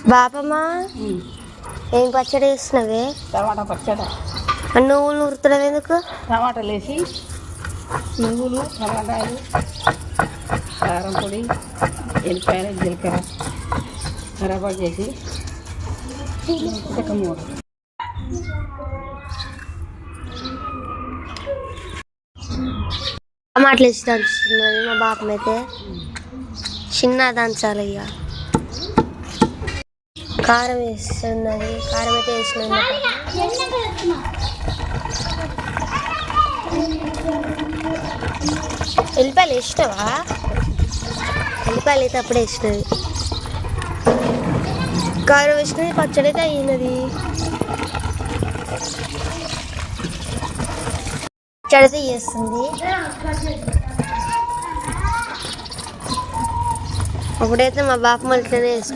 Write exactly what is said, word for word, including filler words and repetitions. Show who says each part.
Speaker 1: బాపమ్మా ఏం పచ్చడి వేసినవే?
Speaker 2: టమాటా పచ్చడి.
Speaker 1: నువ్వులు ఉరుతున్నావు ఎందుకు?
Speaker 2: టమాటాలు వేసి నువ్వులు టమాటాలు కారం పొడి ఎల్లిపాయలు జీలకర్ర కరాబాటు చేసి ఒక మూడు
Speaker 1: టమాటాలు వేసి దంచుతున్నది మా బాపమ్మ అయితే. చిన్న దంచాలి ఇక. కారం వేస్తున్నది, కారం అయితే వేసినది. ఎల్లిపాయలు వేసినావా? ఎల్లిపాయలు అయితే అప్పుడే వేసినది. కారం వేసినది, పచ్చడి అయితే అయినది. పచ్చడి అయితే చేస్తుంది. అప్పుడైతే మా బాపమ్మ ఇట్లనే వేస్తుంది.